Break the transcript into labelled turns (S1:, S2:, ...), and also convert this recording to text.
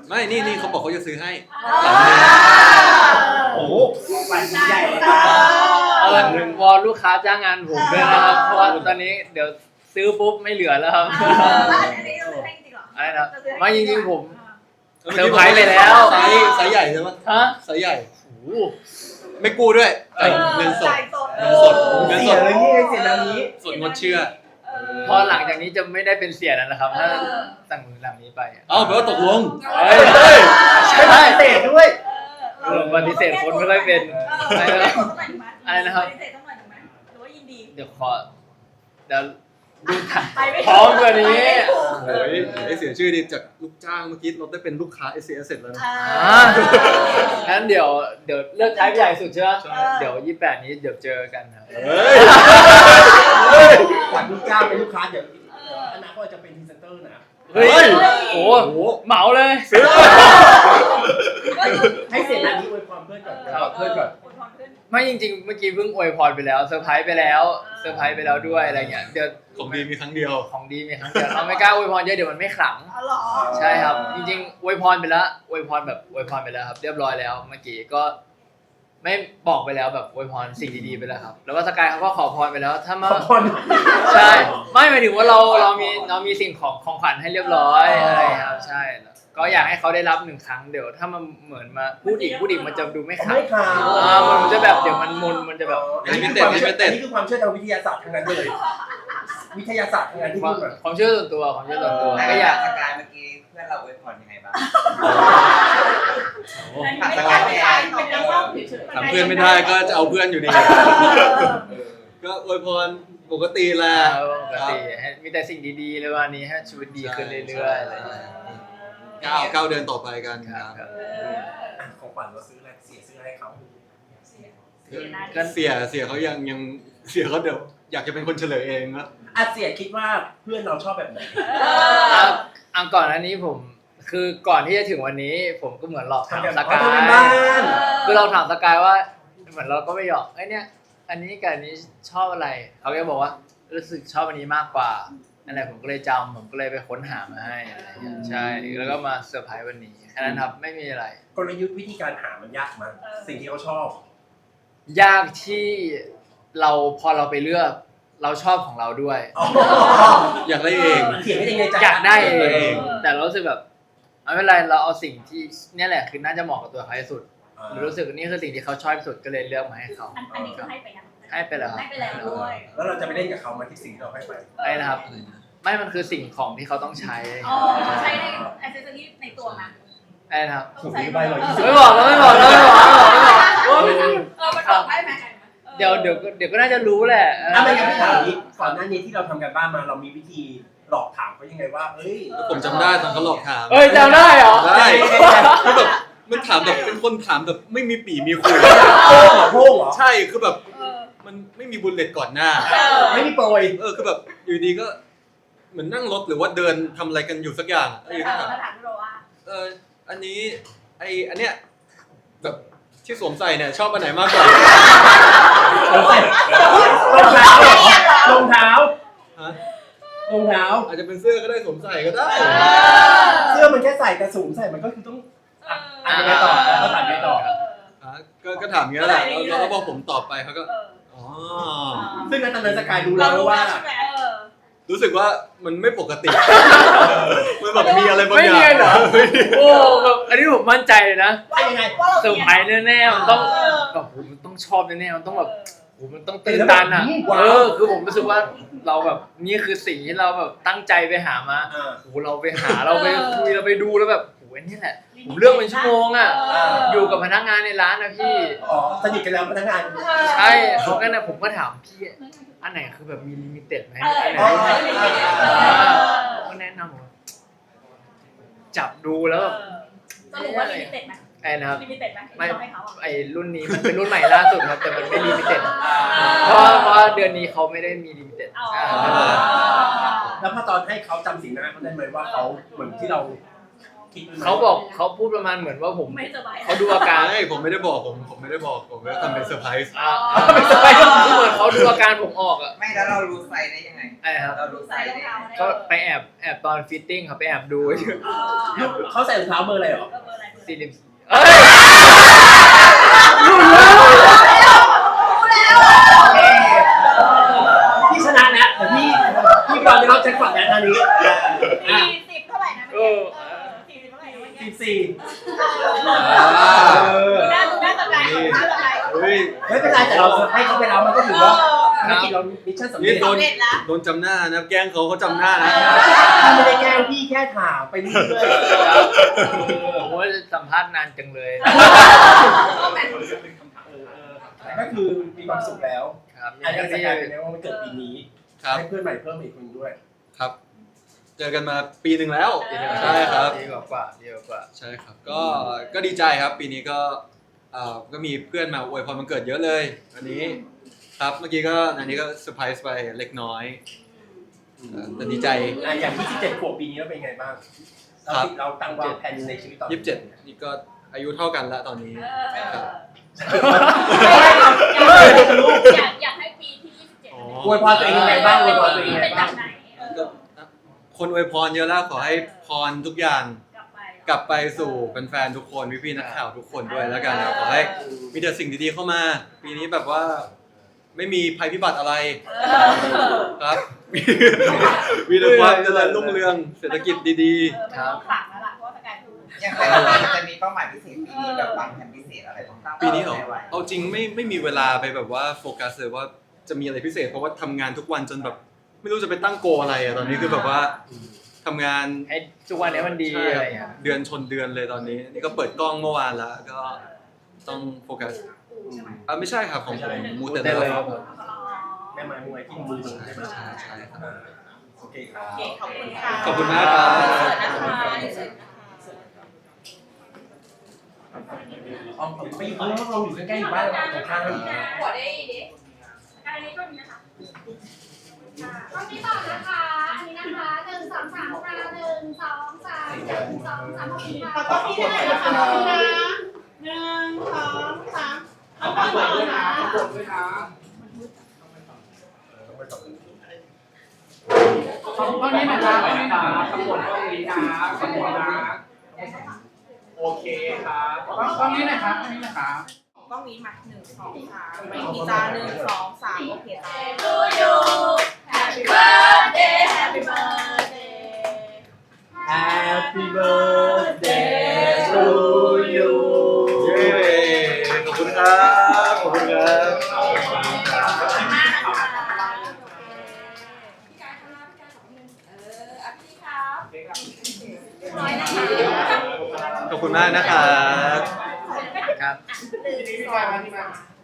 S1: ไม่นี่เขาบอกเขาจะซื้อให้
S2: โอ้โหฝันใหญ่เลย
S3: วอนลูกค้าจ้างงานผมด้วยนะครับเพราะว่าตอนนี้เดี๋ยวซื้อปุ๊บไม่เหลือแล้วครับ
S4: แล้วอันนี้เราซื้อให้จริงเหรอ
S3: อะไรนะไม่จริงๆผมเซอร์ไพรส์ไปแล้ว
S1: ไซส์ใหญ่ใช่ไหม
S3: ฮะ
S1: ไซส์ใหญ่ไม่กู้ด้วยเงินสด
S2: เสียเลยนี่เสียนานี้
S1: สดงดเชื่อ
S3: พอหลังจากนี้จะไม่ได้เป็นเสียแล้วนะครับถ้าสั่งหลังนี้ไป
S1: แปลว่าตกลง
S3: ใช่
S2: ปฏิเสธด้วย
S3: ปฏิเสธคนไม่ค่อยเป็นอะไรนะครับ
S4: ปฏิเสธต้องหน่อยถูกไหมหรือว่ายินดี
S3: เดี๋ยวดูพร้อมกว่านี้
S1: โอ้ยเสียชื่อดีจากลูกจ้างเมื่อกี้เราได้เป็นลูกค้า SCS เสร็จแล้วนะ
S3: งั้นเดี๋ยวเลือกไทป์ใหญ่สุดใช่ไหมเดี๋ยว28นี้เดี๋ยวเจอกันครับ
S2: จากลูกจ้างเป็นลูกค้าเดี๋ยวอนาคตจะเป็นพรีเซนเตอร์นะ
S3: เฮ้ยโอ้เหมาเลย
S2: ให้เสียนานี้อวยพรเพื่อนก่อนเพื่อนก่อน
S3: ไม่จริงๆเมื่อกี้เพิ่งอวยพรไปแล้วเซอร์ไพรส์ไปแล้วด้วยอะไรเงี้ยเดี๋ยว
S1: ของดีมีครั้งเดียว
S3: เราไม่กล้าอวยพรเยอะเดี๋ยวมันไม่ขลังใช่ครับจริงๆอวยพรไปแล้วอวยพรไปแล้วครับเรียบร้อยแล้วเมื่อกี้ก็ไม่บอกไปแล้วแบบอวยพรสิ่งดีๆไปแล้วครับแล้วก็สกายเขาก็ขอพรไปแล้วถ้ามาใช่ไม่หมายถึงว่าเรามีสิ่งของขวัญให้เรียบร้อยอะไรครับใช่ก็อยากให้เขาได้รับ1ครั้งเดี๋ยวถ้ามันเหมือนมาพูดอีกมันจะดูไม่ขลังมันจะแบบเดี๋ยวมันจะแบบ
S1: นี่
S2: คือความเชื่อทางวิทยาศาสตร์ทั้งนั้นเลยวิทยาศาสตร์ทั้งนั้นที่พูด
S3: ความเชื่อส่วนตัว
S5: ก็อยากสกายเมื่อกี้เพื่อนเราอวยพรยังไงบ้าง
S1: ถามเพื่อนไม่ได้ก็จะเอาเพื่อนอยู่ดีก็อวยพรปกติแหละ
S3: มีแต่สิ่งดีๆเลยวันนี้ให้ชีวิตดีขึ้นเรื่อยๆอะไร
S1: ก้าวเดินต่อไปกันครับ
S2: ของขวัญเราซื้ออะไรเสียซื้อให้เขา
S1: เสียเขายังเสียเขาเดี๋ยวอยากจะเป็นคนเฉลยเองนะ
S2: เสียคิดว่าเพื่อนเราชอบแบบไหน
S3: ก่อนอันนี้ผมคือก่อนที่จะถึงวันนี้ผมก็เหมือนหลอกถามสกายคือเราถามสกายว่าเหมือนเราก็ไม่หยอกเนี่ยอันนี้กับอันนี้ชอบอะไรเขาก็บอกว่ารู้สึกชอบอันนี้มากกว่าอะไรผมก็เลยผมก็เลยไปค้นหามาให้อะไรอย่างเงี้ยใช่แล้วก็มาเซอร์ไพรส์วันนี้แค่นั้นครับไม่มีอะไร
S2: กลยุทธ์วิธีการหามันยากมั้ยสิ่งที่เขาชอบ
S3: ยากที่พอเราไปเลือกเราชอบของเราด้วย
S1: อยากได้เอง
S2: เขียนไม่ได้ในใจ
S3: อยากได้เองแต่เรารู้สึกแบบไม่เป็นไรเราเอาสิ่งที่นี่แหละคือน่าจะเหมาะกับตัวเขาที่สุดรู้สึกนี่คือสิ่งที่เขาชอบที่สุดก็เลยเลือกมาให้เขา
S4: อันนี้คือให้ไปยัง
S3: ให้ไปแล้ว
S4: ด้วย
S2: แล้วเราจะไปเล่นกับเขามาที่สิ่งที่เราให้ไป
S3: ไม่นะครับไม่มันคือสิ่งของที่เขาต้องใช้
S4: ใช้ในแอคเซสซอรี่ในตัวนะ
S3: ไม่นะครับ
S2: ไม่
S3: บอก
S4: มันบอกได้ไหม
S3: เดี๋ยวก็น่าจะรู้แหละ
S2: ไม่งั้นพี่ถามนี้ก่อนหน้านี้ที่เราทำกันบ้านมาเรามีวิธีหลอกถามเขายังไงว่า
S1: ผมจำได้ตอนเขาหลอกถาม
S3: จำได้เหรอ
S1: ได้คือแบบมันถามแบบเป็นคนถามแบบไม่มีปี่มีคุย
S2: โพ่งเหรอ
S1: ใช่คือแบบมันไม่มีบุลเลตก่อนหน้า
S2: ไม่มีโปรย
S1: คือแบบอยู่ดีก็เหมือนนั่งรถหรือว่าเดินทำอะไรกันอยู่สักอย่าง
S4: ถามเราว่า
S1: อันนี้อันเนี้ยแบบที่สวมใส่เนี่ยชอบอันไหนมากกว่าร
S2: องเท้า
S1: อาจจะเป็นเสื้อก็ได้สวมใส่ก็ได้
S2: เสื้อมันแค่ใส่แต่สวมใส่มันก็คือต้องไปต่อก็ถามไปต่อ
S1: ก็ถามอย่างนี้แหละแล้วก็พอผมตอบไปเขาก็
S2: ซึ่งตอนนั้นสกายรู้แล้วว่า
S1: รู้สึกว่ามันไม่ปกติมันแบบมีอะไรบางอย่าง
S3: ไม่มีเหรอโอ้แบบอันนี้ผมมั่นใจเลยนะ
S2: ยังไง
S3: เซอร์ไพรส์แน่ๆมันต้องแบบมันต้องชอบแน่ๆมันต้องแบบมันต้องตื่นตันอ่ะคือผมรู้สึกว่าเราแบบนี่คือสิ่งที่เราแบบตั้งใจไปหามาเราไปหาเราไปคุยเราไปดูแล้วแบบนี่แหละผมเลือกเป็นชั่วโมงอ่ะอยู่กับพนักงานในร้านนะพี่
S2: สนิทกันแล้วพนักงาน
S3: ใช่เขาก็นะผมก็ถามพี่อันไหนคือแบบมีลิมิเต็ดไหมอันไหนก็แนะนำจับดูแล้ว
S4: สรุปว่าลิมิเต็ดไหม
S3: นะครับ
S4: ลิมิเต็ดไหม
S3: ไม่รุ่นนี้มันเป็นรุ่นใหม่ล่าสุดครับแต่มันไม่ลิมิเต็ดเพราะเดือนนี้เขาไม่ได้มีลิมิเต็ด
S2: แล้วพอตอนให้เขาจำสีหน้าเขาได้ไหมว่าเขาเหมือนที่เราคิดไหม
S3: เขาบอกเขาพูดประมาณเหมือนว่าผม
S4: ไม่สบาย
S3: เขาดูอาการ
S1: ไม่ผมไม่ได้บอกผมไม่ได้บอกผมไม่ได้ทำเป็นเซอร์ไพรส์
S3: ไม่สบายคือเหมือนเขาดูอาการผมออกอ่ะ
S5: ไม่แล้วเรารู้ไซส์ได้ยังไง
S3: ไอ้ครับ
S5: เรารู้ไซ
S4: ใส่
S5: ส์
S4: รอง
S5: ได้
S4: เท้า
S5: ยังไง
S3: ก็ไปแอบตอนฟิตติ้งครับไปแอบดู
S2: เขาใส่รองเท้าเบอร์อะไรหรอ
S4: เบอร์อะไร
S3: 40เอ้ย
S2: พี่ชนะแล้วแต่พี่ก่อนจะรับแจ็คพอตแล้วตอนนี้
S4: 40เท่าไหร่นะเมื่อกี้40เท่าไหร่นะเมื่อกี้
S2: 14
S4: ดูหน้าตะไคร้ดูหน้าตะไคร้
S1: เฮ้ย
S2: ไม่เป็นไรแต่เราให้เขาไปแล้วมันก็ถือว่าภารกิจเรามิชชั่นสำเร็
S1: นี่
S2: จ
S1: โดน
S4: เด็ดละ
S1: โดนจำหน้านะแกล้งเขาจำหน้านะ
S2: พี่ไม่ได้แกล้งพี่แค่ถามไปเรื่อย
S3: ผมว่าสัมภาษณ์นานจังเลย
S2: ก็คือมีความสุขแล้ว
S3: ครับ
S2: อันนี้จะกลายเป็นว่ามันเกิดปีนี้
S1: ครับ
S2: ให้เพื่อนใหม่เพิ่มอีกคนด้วย
S1: ครับ เจอกันมาปีหนึ่งแล้วใช่ครับ
S3: ดีกว่าดีกว่า
S1: ใช่ครับ ก็ดีใจครับ ปีนี้ก็มีเพื่อนมาอวยพรวันเกิดเยอะเลยวันนี้ครับเมื่อกี้ก็อันนี้ก็เซอร์ไพรส์ไปเล็กน้อยแต่ดีใจ
S2: อย่างที่17ขวบปีนี้เราเป็นไงบ้าง
S1: ครับ
S2: เราตั้งวางแผนในชีวิตต่อ
S1: 27นี่ก็อายุเท่ากันแล้วตอนนี้ครับ
S4: อยากให้ปีที่27
S2: อวยพรตัวเองยังไงบ้างอวยพรตัวเองยังไง
S4: เป็นแบ
S2: บ้าง
S4: บไหน
S1: คนอวยพรเยอะแล้วขอให้พรทุกอย่าง
S4: กลับไป
S1: กลับไปสู่แฟนๆทุกคนพี่ๆนักข่าวทุกคนด้วยแล้วกันครับขอให้มีแต่สิ่งดีๆเข้ามา ปีนี้แบบว่าไม่มีภัยพิบัติอะไรครับมีแต่ความเจริญรุ่งเรืองเศรษฐกิจดี
S4: ครับขลังแล้วล่ะเพราะว่าสกายคือ
S5: อย่างไรจะมีเป้าหมายพิเศษปีนี้แบบวางแผนพิเศษอะไรบ้าง
S1: ๆ ปีนี้เหรอเอาจริงไม่มีเวลาไปแบบว่าโฟกัสเลยว่าจะมีอะไรพิเศษเพราะว่าทำงานทุกวันจนแบบไม่รู้จะไปตั้งโกอะไรอะตอนนี้คือแบบว่าทำงาน
S3: ให้ทุกวันนี้มันดี
S1: ใช่
S3: อะไร
S1: ครับ
S3: อย่างเงี้ย
S1: เดือนชนเดือนเลยตอนนี้นี่ก็เปิดกล้องเมื่อวานแล้วก็ต้องโฟกัสไม่ใช่ครับของผมมูเต
S3: ได้
S1: เล
S3: เลย
S1: ย
S3: ครับผม
S2: แม่ไม้มวยที่มือใช่ไหม
S1: ใช่ครับ
S2: โอเคครับ
S4: ขอบคุณค่ะ
S1: ขอบคุณมากครับ
S2: อ๋อไปอยู่ข้างนอกเราอยู่ใกล้ๆอยู่บ้านเราตรงข้ามกัน
S4: ขอได้ดิอันนี้ก็มีนะคะ
S6: ตอนนี้ต่อนะคะ อันนี้นะคะ1 2 3ค่ะ1 2 3 1 2 3ขอบคุณค่ะ
S4: ขอบคุณที่ได้นะคะ1 2 3เอาไปก่อนนะ
S7: ขอบคุณนี้นะครับขอบคุณตรงนี้นะขอบคุณนะโอเคครับตรงนี้นะครับตรงนี้นะครับ
S4: กล้องนี้มา1 2 3ไม่มีตา1 2 3โอเคจ้า To you Happy birthday Happy birthday
S2: Happy birthday to you
S1: เย้ขอบคุณครับขอบคุณครับ
S4: ขอบคุณมากนะคะน้อยนะคะ
S1: ขอบคุณมากนะครับ
S3: ครับ
S4: 1 2 3